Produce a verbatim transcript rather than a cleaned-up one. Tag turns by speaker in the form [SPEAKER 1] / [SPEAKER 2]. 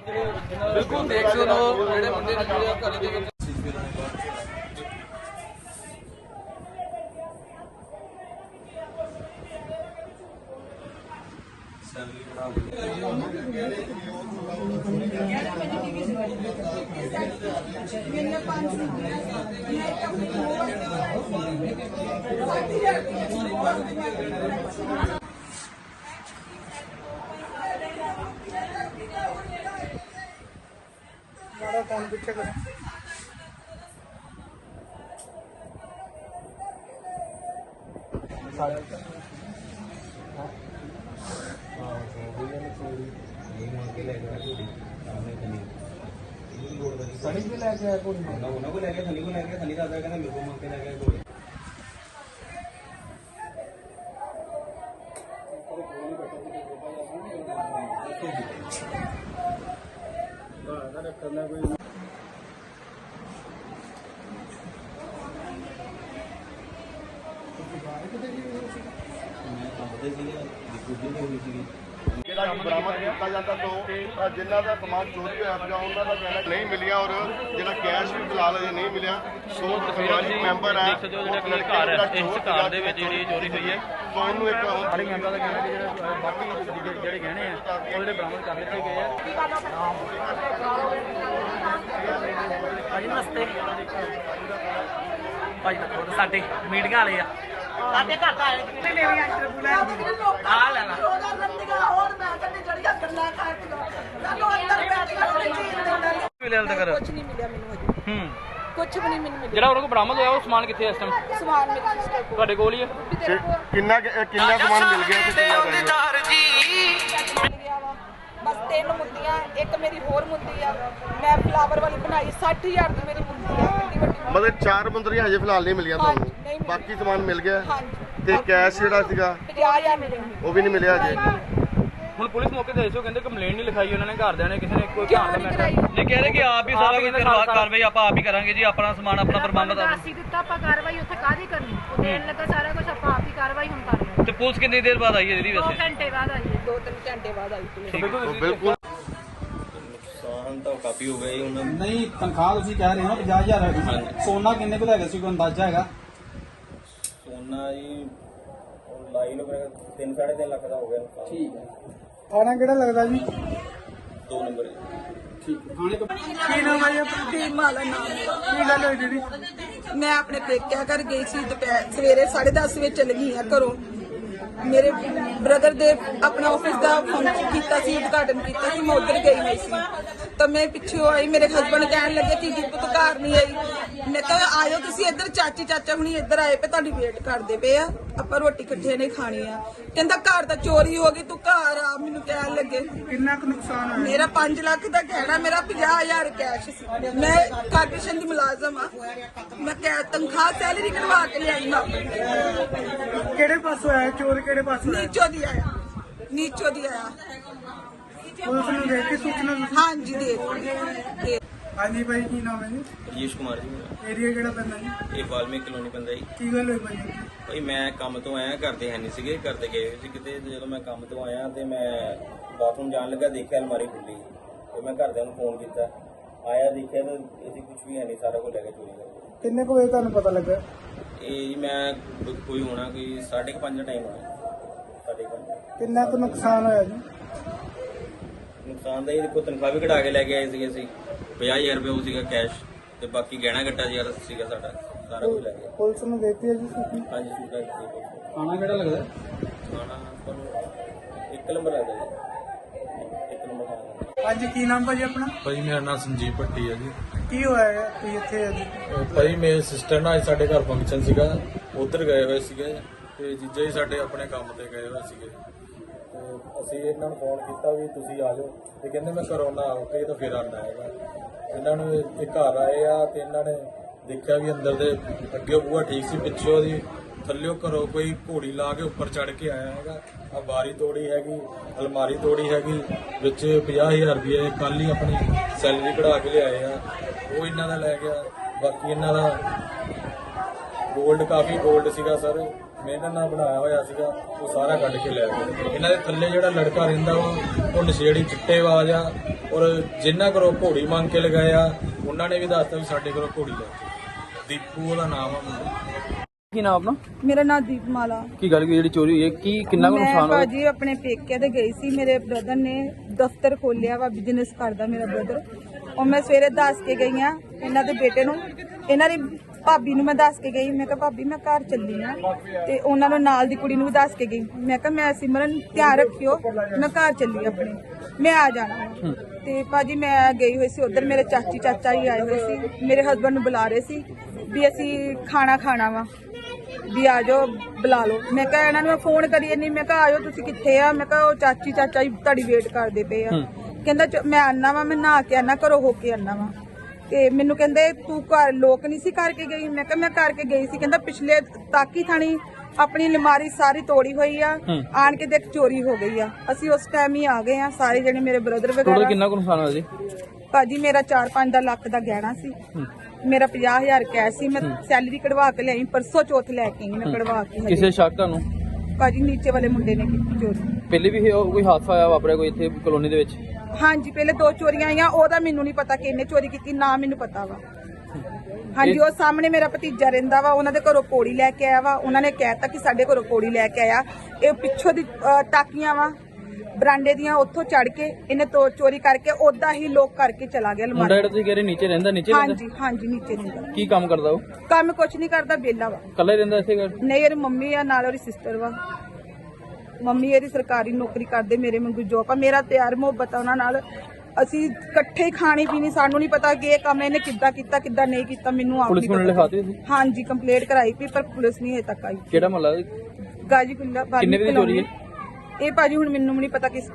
[SPEAKER 1] बिल्कुल देख सो जेडे मुंडे ने घर दे विच
[SPEAKER 2] कौन पीछे कर सड़ी भी लेके आया कोई ना उन्होंने को लेके थली को लेके थली दादा कहना मेरे को मांग के लेके आया कोई करना कोई
[SPEAKER 3] बरामद किया जाता तो जिन्हों का समान चोरी होया उन्होंने का कहना नहीं मिलिया और जो कैश भी फिलहाल अजे नहीं मिलिया सो समाजिक मैंबर है
[SPEAKER 4] चोरी हुई है
[SPEAKER 3] तो उन्होंने एक
[SPEAKER 4] सारे मैंबर का कहना कि बाकी जो गहने हैं वो बरामद कर लिते गए हैं। नमस्ते भाई साडे मीटिंग वाले आ ਸਾਡੇ ਘਰ ਦਾ ਆਏ ਕਿੰਨੇ ਮੇਰੀਆਂ ਇੰਟਰਵਿਊ ਲੈਣ ਦੀ ਆ ਲੈਣਾ ਮਿਲਿਆ ਤੱਕ
[SPEAKER 5] ਕੁਝ ਨਹੀਂ ਮਿਲਿਆ ਮੈਨੂੰ ਅਜੇ
[SPEAKER 4] ਹੂੰ
[SPEAKER 5] ਕੁਝ ਵੀ ਨਹੀਂ ਮੈਨੂੰ ਮਿਲਿਆ
[SPEAKER 4] ਜਿਹੜਾ ਉਹਨਾਂ ਕੋਲ ਬਰਾਮਦ ਹੋਇਆ ਉਹ ਸਮਾਨ ਕਿੱਥੇ ਹੈ ਇਸ ਟਾਈਮ
[SPEAKER 5] ਸਮਾਨ ਮੇਰੇ ਸਿਸਟਰ ਕੋਲ
[SPEAKER 4] ਤੁਹਾਡੇ ਕੋਲ ਹੀ ਹੈ
[SPEAKER 3] ਕਿੰਨਾ ਕਿੰਨਾ ਸਮਾਨ ਮਿਲ ਗਿਆ ਤੇ ਕਿੰਨਾ ਮਿਲ ਗਿਆ
[SPEAKER 5] ਬਸ ਤਿੰਨ ਮੁੰਦੀਆਂ ਇੱਕ ਮੇਰੀ ਹੋਰ ਮੁੰਦੀ ਆ ਮੈਂ ਫਲਾਵਰ ਵਾਲੀ ਬਣਾਈ ਸੱਠ ਹਜ਼ਾਰ ਦੀ ਮੇਰੀ ਮੁੰਦੀ ਆ ਵੱਡੀ ਵੱਡੀ
[SPEAKER 3] ਮਤਲਬ ਚਾਰ ਬੰਦਰੀਆਂ ਹਜੇ ਫਿਲਹਾਲ ਨਹੀਂ ਮਿਲੀਆਂ ਤੁਹਾਨੂੰ ਬਾਕੀ ਸਮਾਨ ਮਿਲ ਗਿਆ ਤੇ ਕੈਸ਼ ਜਿਹੜਾ ਸੀਗਾ
[SPEAKER 5] ਪੰਜਾਹ ਹਜ਼ਾਰ ਮਿਲਿਆ
[SPEAKER 3] ਉਹ ਵੀ ਨਹੀਂ ਮਿਲਿਆ ਹਜੇ
[SPEAKER 4] ਹੁਣ ਪੁਲਿਸ ਮੌਕੇ ਤੇ ਆਇਓ ਕਹਿੰਦੇ ਕੰਪਲੇਂਟ ਨਹੀਂ ਲਿਖਾਈ ਉਹਨਾਂ ਨੇ ਘਰਦਿਆਂ ਨੇ ਕਿਸੇ ਨੇ ਕੋਈ ਧਿਆਨ
[SPEAKER 5] ਨਹੀਂ
[SPEAKER 4] ਦਾ
[SPEAKER 5] ਕਰਾਈ
[SPEAKER 4] ਨਹੀਂ ਕਹਿ ਰਹੇ ਕਿ ਆਪ ਹੀ ਸਾਰਾ ਕੁਝ ਕਾਰਵਾਈ ਆਪਾਂ ਆਪ ਹੀ ਕਰਾਂਗੇ ਜੀ ਆਪਣਾ ਸਮਾਨ ਆਪਣਾ ਪ੍ਰਬੰਧ
[SPEAKER 6] ਅਸੀਂ ਦਿੱਤਾ ਆਪਾਂ ਕਾਰਵਾਈ ਉੱਥੇ ਕਾਹਦੀ ਕਰਨੀ ਉਹ ਦੇਣ ਲੱਗਾ ਸਾਰਾ ਕੁਝ ਆਪਾਂ ਆਪ ਹੀ ਕਾਰਵਾਈ ਹੁਣ ਕਰ ਰਹੇ
[SPEAKER 4] ਤੇ ਪੁਲਿਸ ਕਿੰਨੀ ਦੇਰ ਬਾਅਦ ਆਈ ਹੈ ਦੀਦੀ
[SPEAKER 6] ਦੋ
[SPEAKER 4] ਵੈਸੇ
[SPEAKER 6] ਘੰਟੇ ਬਾਅਦ ਆਈ ਹੈ
[SPEAKER 5] ਦੋ ਤਿੰਨ ਘੰਟੇ ਬਾਅਦ ਆਈ ਪੁਲਿਸ
[SPEAKER 3] ਬਿਲਕੁਲ
[SPEAKER 7] ਨੁਕਸਾਨ ਤਾਂ ਕਾਫੀ ਹੋ ਗਿਆ ਜੀ ਉਹਨਾਂ ਦਾ।
[SPEAKER 2] नहीं तनख्वाह तुम कह रहे हो ਪੰਜਾਹ ਹਜ਼ਾਰ है सोना किन्ने को लैगा सी कोई अंदाजा हैगा
[SPEAKER 7] ਸੋਨਾ ਜੀ ਉਹ ਲਾਈ ਨੂੰ ਮੇਰੇ ਤਿੰਨ ਸਾਢੇ ਤਿੰਨ ਲੱਖ ਦਾ ਹੋ ਗਿਆ ਨੁਕਸਾਨ।
[SPEAKER 2] ठीक है थाना केड़ा लगदा जी
[SPEAKER 7] ਦੋ ਨੰਬਰ ਜੀ।
[SPEAKER 2] ठीक है थाने को
[SPEAKER 5] ਕੀ ਨਾਮ ਹੈ ਆਪਣੀ ਮਾਲਾ ਨਾਮ
[SPEAKER 2] की गल होई दीदी
[SPEAKER 5] ਮੈਂ ਆਪਣੇ ਪੇਕਿਆਂ ਘਰ ਗਈ ਸੀ ਦੁਪਹਿਰ ਸਵੇਰੇ ਸਾਢੇ ਦਸ ਵਜੇ ਚਲੀ ਗਈ ਆ ਘਰੋਂ ਮੇਰੇ ਬ੍ਰਦਰ ਦੇ ਆਪਣਾ ਆਫਿਸ ਦਾ ਫੰਕਸ਼ਨ ਕੀਤਾ ਸੀ ਉਦਘਾਟਨ ਕੀਤਾ ਸੀ ਮੈਂ ਉੱਧਰ ਗਈ ਹੋਈ ਸੀ ਤਾਂ ਮੈਂ ਪਿੱਛੋਂ ਆਈ ਮੇਰੇ ਹਸਬੰਡ ਕਹਿਣ ਲੱਗੇ ਕਿ ਦੀਪੂ ਤੂੰ ਘਰ ਨਹੀਂ ਆਈ ਮੈਂ ਕਿਹਾ ਆਇਓ ਤੁਸੀਂ ਇੱਧਰ ਚਾਚੀ ਚਾਚਾ ਹੁਣੀ ਇੱਧਰ ਆਏ ਪਏ ਤੁਹਾਡੀ ਵੇਟ ਕਰਦੇ ਪਏ ਆ ਆਪਾਂ ਰੋਟੀ ਇਕੱਠੇ ਨੇ ਖਾਣੀ ਆ ਕਹਿੰਦਾ ਘਰ ਤਾਂ ਚੋਰੀ ਹੋ ਗਈ ਤੂੰ ਘਰ ਆ ਮੈਨੂੰ ਕਹਿਣ ਲੱਗੇ
[SPEAKER 2] किन्ना को नुकसान होया
[SPEAKER 5] ਮੇਰਾ ਪੰਜ ਲੱਖ ਦਾ ਗਹਿਣਾ ਮੇਰਾ ਪੰਜਾਹ ਹਜ਼ਾਰ ਕੈਸ਼ ਸੀ ਮੈਂ ਕਾਰਪੋਰੇਸ਼ਨ ਦੀ ਮੁਲਾਜ਼ਮ ਆ ਮੈਂ ਕੈ ਤਨਖਾਹ ਸੈਲਰੀ ਕਢਵਾ ਕੇ ਲਿਆਈ ਮੈਂ ਆਪਣੀ
[SPEAKER 2] केड़े पासों आया चोर केड़े पासों आया
[SPEAKER 5] ਨੀਚੋ ਦੀ ਆਇਆ ਨੀਚੋ ਦੀ ਆਇਆ
[SPEAKER 2] पुलिस ने देख के सूचना दी
[SPEAKER 5] ਹਾਂਜੀ ਦੇ ਦੇ
[SPEAKER 2] हाँ जी भाई की नाम है जी
[SPEAKER 7] ਰਜੇਸ਼ ਕੁਮਾਰ ਜੀ ਮੇਰਾ।
[SPEAKER 2] एरिया केड़ा पैंदा जी
[SPEAKER 7] ਇਹ ਵਾਲਮੀਕ ਕਲੋਨੀ ਪੈਂਦਾ ਜੀ।
[SPEAKER 2] की गल होई भाई
[SPEAKER 7] ਭਾਈ ਮੈਂ ਕੰਮ ਤੋਂ ਆਇਆ ਘਰ ਦੇ ਹੈ ਨਹੀਂ ਸੀਗੇ ਘਰ ਦੇ ਗਏ ਹੋਏ ਸੀ ਕਿਤੇ ਤੇ ਜਦੋਂ ਮੈਂ ਕੰਮ ਤੋਂ ਆਇਆ ਤੇ ਮੈਂ ਬਾਥਰੂਮ ਜਾਣ ਲੱਗਾ ਦੇਖਿਆ ਅਲਮਾਰੀ ਖੁੱਲੀ ਤੇ ਮੈਂ ਘਰਦਿਆਂ ਨੂੰ ਫੋਨ ਕੀਤਾ ਆਇਆ ਦੇਖਿਆ ਤਾਂ ਇਹਦੀ ਕੁਝ ਵੀ ਹੈ ਨਹੀਂ ਸਾਰਾ ਕੁਝ ਲੈ ਕੇ ਚੋਰੀ ਕਰ ਗਏ।
[SPEAKER 2] किन्ने को बजे ਤੁਹਾਨੂੰ पता लगा
[SPEAKER 7] ਇਹ ਜੀ ਮੈਂ ਕੋਈ ਹੋਣਾ ਕੋਈ ਸਾਢੇ ਕੁ ਪੰਜ ਦਾ ਟਾਈਮ ਹੋਣਾ ਸਾਢੇ ਕੁ ਪੰਜ
[SPEAKER 2] किन्ना को नुकसान होया जी
[SPEAKER 7] ਨੁਕਸਾਨ ਦਾ ਇਹ ਦੇਖੋ ਤਨਖਾਹ ਵੀ ਕਢਾ ਕੇ ਲੈ ਕੇ ਆਏ ਸੀਗੇ ਅਸੀਂ ਪੰਜਾਹ ਹਜ਼ਾਰ ਰੁਪਏ ਉਹ ਸੀਗਾ ਕੈਸ਼ ਤੇ ਬਾਕੀ ਗਹਿਣਾ ਗੱਟਾ ਯਾਰ ਸੀਗਾ ਸਾਡਾ ਸਾਰਾ ਕੁਝ ਲੈ ਗਿਆ।
[SPEAKER 2] पुलिस ने देती है जी सूचना
[SPEAKER 7] ਹਾਂਜੀ ਸੂਟਾ ਦਿੱਤੀ
[SPEAKER 2] थाना केड़ा लगदा
[SPEAKER 7] ਖਾਣਾ ਤੁਹਾਨੂੰ ਇੱਕ ਨੰਬਰ ਲੱਗਦਾ ਜੀ ਇੱਕ ਨੰਬਰ ਖਾਣਾ
[SPEAKER 2] हाँ जी की नाम भाजी अपना
[SPEAKER 8] ਭਾਈ ਮੇਰਾ ਨਾਮ ਸੰਜੀਵ ਭੱਟੀ ਹੈ ਜੀ।
[SPEAKER 2] की होया है कोई ਇੱਥੇ है जी
[SPEAKER 8] ਅਹ ਭਾਈ ਮੇਰੇ ਸਿਸਟਰ ਨਾਲ ਅੱਜ ਸਾਡੇ ਘਰ ਫੰਕਸ਼ਨ ਸੀਗਾ ਉਧਰ ਗਏ ਹੋਏ ਸੀਗੇ ਤੇ ਜੀਜਾ ਜੀ ਸਾਡੇ ਆਪਣੇ ਕੰਮ ਤੇ ਗਏ ਹੋਏ ਸੀਗੇ ਤੇ ਅਸੀਂ ਇਹਨਾਂ ਨੂੰ ਫੋਨ ਕੀਤਾ ਵੀ ਤੁਸੀਂ ਆ ਜਾਓ ਤੇ ਕਹਿੰਦੇ ਮੈਂ ਘਰੋਂ ਨਾ ਆਉਂ ਕੇ ਤਾਂ ਫਿਰ ਆਉਣਾ ਹੈਗਾ। ਇਹਨਾਂ ਨੂੰ ਇਹ ਘਰ ਆਏ ਆ ਤੇ ਇਹਨਾਂ ਨੇ ਦੇਖਿਆ ਵੀ ਅੰਦਰ ਦੇ ਅੱਗੇ ਬੂਹਾ ਠੀਕ ਸੀ ਪਿੱਛੋਂ ਦੀ ਥੱਲਿਓ ਘਰੋਂ ਕੋਈ ਘੋੜੀ ਲਾ ਕੇ ਉੱਪਰ ਚੜ ਕੇ ਆਇਆ ਹੈਗਾ। ਆ ਬਾਰੀ ਤੋੜੀ ਹੈਗੀ ਅਲਮਾਰੀ ਤੋੜੀ ਹੈਗੀ ਵਿੱਚ ਪੰਜਾਹ ਹਜ਼ਾਰ ਰੁਪਏ ਕੱਲ ਹੀ ਆਪਣੀ ਸੈਲਰੀ ਕਢਾ ਕੇ ਲਿਆਏ ਆ ਉਹ ਇਹਨਾਂ ਦਾ ਲੈ ਗਿਆ। ਬਾਕੀ ਇਹਨਾਂ ਦਾ ਗੋਲਡ ਕਾਫੀ ਗੋਲਡ ਸੀਗਾ ਸਰ ਮਿਹਨਤ ਨਾਲ ਬਣਾਇਆ ਹੋਇਆ ਸੀਗਾ ਉਹ ਸਾਰਾ ਕੱਢ ਕੇ ਲੈ ਗਏ। ਇਹਨਾਂ ਦੇ ਥੱਲੇ ਜਿਹੜਾ ਲੜਕਾ ਰਹਿੰਦਾ ਵਾ ਉਹ ਨਸ਼ੇੜੀ ਚਿੱਟੇਬਾਜ਼ ਆ, ਔਰ ਜਿਨ੍ਹਾਂ ਕੋਲੋਂ ਘੋੜੀ ਮੰਗ ਕੇ ਲਗਾਏ ਆ ਉਹਨਾਂ ਨੇ ਵੀ ਦੱਸਤਾ ਵੀ ਸਾਡੇ ਕੋਲੋਂ ਘੋੜੀ ਲੈ ਕੇ। ਦੀਪੂ ਉਹਦਾ ਨਾਮ ਆ ਮੁੰਡਾ।
[SPEAKER 1] ਕੀ ਨਾਮ ਆਪਣਾ?
[SPEAKER 5] ਮੇਰਾ ਨਾਮ ਦੀਪਮਾਲਾ।
[SPEAKER 1] ਕੀ ਗੱਲ ਕੀ ਜਿਹੜੀ ਚੋਰੀ ਹੋਈ ਹੈ, ਕੀ ਕਿੰਨਾ ਕੁ
[SPEAKER 5] ਮੈਂ
[SPEAKER 1] ਨੁਕਸਾਨ ਹੋਇਆ?
[SPEAKER 5] ਭਾਜੀ ਆਪਣੇ ਪੇਕੇ ਤੇ ਗਈ ਸੀ। ਮੇਰੇ ਬ੍ਰਦਰ ਨੇ ਦਫ਼ਤਰ ਖੋਲਿਆ ਵਾ, ਬਿਜ਼ਨਸ ਕਰਦਾ ਮੇਰਾ ਬ੍ਰਦਰ। ਉਹ ਮੈਂ ਸਵੇਰੇ ਦੱਸ ਕੇ ਗਈ ਆ ਇਹਨਾਂ ਦੇ ਬੇਟੇ ਨੂੰ, ਇਹਨਾਂ ਦੀ ਭਾਬੀ ਨੂੰ ਮੈਂ ਦੱਸ ਕੇ ਗਈ। ਮੈਂ ਕਿਹਾ ਭਾਬੀ ਮੈਂ ਘਰ ਚੱਲੀ ਆ, ਤੇ ਉਹਨਾਂ ਨੂੰ ਨਾਲ ਦੀ ਕੁੜੀ ਨੂੰ ਵੀ ਦੱਸ ਕੇ ਗਈ। ਮੈਂ ਕਿਹਾ ਮੈਂ ਸਿਮਰਨ ਧਿਆਨ ਰੱਖਿਓ, ਮੈਂ ਘਰ ਚੱਲੀ ਆਪਣੇ, ਮੈਂ ਆ ਜਾਣਾ। ਤੇ ਭਾਜੀ ਮੈਂ ਗਈ ਹੋਈ ਸੀ ਉਧਰ, ਮੇਰੇ ਚਾਚੀ ਚਾਚਾ ਹੀ ਆਏ ਹੋਏ ਸੀ, ਮੇਰੇ ਹਸਬੰਡ ਨੂੰ ਬੁਲਾ ਰਹੇ ਸੀ ਵੀ ਅਸੀਂ ਖਾਣਾ ਖਾਣਾ ਵਾ, ਵੀ ਆ ਜਾਓ ਬੁਲਾ ਲਓ। ਮੈਂ ਕਿਹਾ ਇਹਨਾਂ ਨੂੰ ਮੈਂ ਫੋਨ ਕਰੀ ਨਹੀਂ, ਮੈਂ ਕਿਹਾ ਆਇਓ ਤੁਸੀਂ ਕਿੱਥੇ ਆ? ਮੈਂ ਕਿਹਾ ਉਹ ਚਾਚੀ ਚਾਚਾ ਹੀ ਤੁਹਾਡੀ ਵੇਟ ਕਰਦੇ ਪਏ ਆ। ਕਹਿੰਦਾ ਮੈਂ ਆਨਾ ਵਾ, ਮੈਂ ਨਹਾ ਕੇ ਆਨਾ, ਘਰੋਂ ਹੋ ਕੇ ਆਨਾ ਵਾ। ਤੇ ਮੈਨੂੰ ਕਹਿੰਦੇ ਤੂੰ ਘਰ ਲੋਕ ਨਹੀਂ ਸੀ ਕਰਕੇ ਗਈ? ਮੈਂ ਕਿਹਾ ਮੈਂ ਕਰਕੇ ਗਈ ਸੀ। ਕਹਿੰਦਾ ਪਿਛਲੇ ਤਾਕੀ ਥਾਣੀ ਆਪਣੀ ਅਲਮਾਰੀ ਸਾਰੀ ਤੋੜੀ ਹੋਈ ਆ, ਆਣ ਕੇ ਦੇਖ ਚੋਰੀ ਹੋ ਗਈ ਆ। ਅਸੀਂ ਉਸ ਟਾਈਮ ਹੀ ਆ ਗਏ ਆ ਸਾਰੇ ਜਣੇ, ਮੇਰੇ ਬ੍ਰਦਰ ਵਗੈਰਾ।
[SPEAKER 1] ਕਿੰਨਾ ਕੁ ਨੁਕਸਾਨ ਹੋਇਆ ਜੀ?
[SPEAKER 5] ਭਾਜੀ ਮੇਰਾ ਚਾਰ ਪੰਜ ਦਾ ਲੱਖ ਦਾ ਗਹਿਣਾ ਸੀ, ਮੇਰਾ ਪੰਜਾਹ ਹਜ਼ਾਰ ਕੈਸ਼ ਸੀ। ਮੈਂ ਸੈਲਰੀ ਕਢਵਾ ਕੇ ਲਿਆਈ, ਪਰਸੋਂ ਚੌਥ ਲੈ ਕੇ ਆਈ ਮੈਂ ਕਢਵਾ ਕੇ।
[SPEAKER 1] ਕਿਸੇ ਸ਼ੱਕ ਤੁਹਾਨੂੰ?
[SPEAKER 5] ਭਾਜੀ ਨੀਚੇ ਵਾਲੇ ਮੁੰਡੇ ਨੇ ਕੀਤੀ ਚੋਰੀ।
[SPEAKER 1] ਪਹਿਲੇ ਵੀ ਇਹ ਕੋਈ ਹਾਦਸਾ ਆਇਆ ਵਾਪਰਿਆ ਕੋਈ ਇੱਥੇ ਕਲੋਨੀ ਦੇ ਵਿੱਚ?
[SPEAKER 5] ਹਾਂਜੀ ਪਹਿਲੇ ਦੋ ਚੋਰੀਆਂ ਆਈਆਂ, ਉਹਦਾ ਮੈਨੂੰ ਨਹੀਂ ਪਤਾ ਕਿਹਨੇ ਚੋਰੀ ਕੀਤੀ, ਨਾ ਮੈਨੂੰ ਪਤਾ ਵਾ। ਹਾਂਜੀ ਉਹ ਸਾਹਮਣੇ ਮੇਰਾ ਭਤੀਜਾ ਰਹਿੰਦਾ ਵਾ, ਉਹਨਾਂ ਦੇ ਘਰੋਂ ਕੋੜੀ ਲੈ ਕੇ ਆਇਆ ਵਾ। ਉਹਨਾਂ ਨੇ ਕਹਿਤਾ ਕਿ ਸਾਡੇ ਘਰੋਂ ਕੋੜੀ ਲੈ ਕੇ ਆਇਆ। ਇਹ ਪਿੱਛੋਂ ਦੀ ਅਹ, ਟਾਕੀਆਂ ਵਾ ਬਰਾਂਡੇ ਦੀਆਂ, ਉੱਥੋਂ ਚੜ ਕੇ ਇਹਨੇ ਤੋ ਚੋਰੀ ਕਰਕੇ ਉਦਾਂ ਹੀ ਲੋਕ ਕਰਕੇ ਚਲਾ ਗਿਆ
[SPEAKER 1] ਮੁੰਡਾ
[SPEAKER 5] ਅਲਮਾਰੀ।
[SPEAKER 1] ਜਿਹੜਾ ਤੁਸੀਂ ਕਹਿ ਰਹੇ ਨੀਚੇ ਰਹਿੰਦਾ, ਨੀਚੇ ਰਹਿੰਦਾ?
[SPEAKER 5] ਹਾਂਜੀ ਹਾਂਜੀ ਨੀਚੇ ਰਹਿੰਦਾ।
[SPEAKER 1] ਕੀ ਕੰਮ ਕਰਦਾ ਉਹ?
[SPEAKER 5] ਕੰਮ ਕੁਛ ਨਹੀਂ ਕਰਦਾ, ਵਿਹਲਾ ਵਾ।
[SPEAKER 1] ਇਕੱਲਾ ਹੀ ਰਹਿੰਦਾ ਇੱਥੇ ਘਰ?
[SPEAKER 5] ਨਹੀਂ ਇਹਦੀ ਮੰਮੀ ਆ, ਨਾਲ ਉਹਦੀ ਸਿਸਟਰ ਵਾ। ਮੰਮੀ ਇਹਦੀ ਸਰਕਾਰੀ ਨੌਕਰੀ ਕਰਦੇ, ਮੇਰੇ ਵਾਂਗੂ ਜੋਬ ਆ। ਮੇਰਾ ਪਿਆਰ ਮੁਹੱਬਤ ਆ ਉਹਨਾਂ ਨਾਲ, ਅਸੀਂ ਇਕੱਠੇ ਹੀ ਖਾਣੀ ਪੀਣੀ। ਸਾਨੂੰ ਨਹੀਂ ਪਤਾ ਕਿ ਇਹ ਕੰਮ ਇਹਨੇ ਕਿੱਦਾਂ ਕੀਤਾ ਕਿੱਦਾਂ ਨਹੀਂ ਕੀਤਾ, ਮੈਨੂੰ ਆਪ
[SPEAKER 1] ਪੁਲਿਸ
[SPEAKER 5] ਨਹੀਂ
[SPEAKER 1] ਨੂੰ
[SPEAKER 5] ਪਤਾ।
[SPEAKER 1] ਲਿਖਾਤੀ ਸੀ?
[SPEAKER 5] ਹਾਂਜੀ ਕੰਪਲੇਂਟ ਕਰਾਈ ਸੀ, ਪਰ ਪੁਲਿਸ ਨਹੀਂ ਹਜੇ ਤੱਕ ਆਈ।
[SPEAKER 1] ਕਿਹੜਾ ਮਹੱਲਾ?
[SPEAKER 5] ਗਾਜੀਪੁਰ
[SPEAKER 1] ਕਿੰਨੇ ਵਜੇ ਚੋਰੀ ਹੈ?
[SPEAKER 5] ਇਹ ਭਾਜੀ ਹੁਣ ਮੈਨੂੰ ਵੀ ਨਹੀਂ ਪਤਾ ਕਿਸ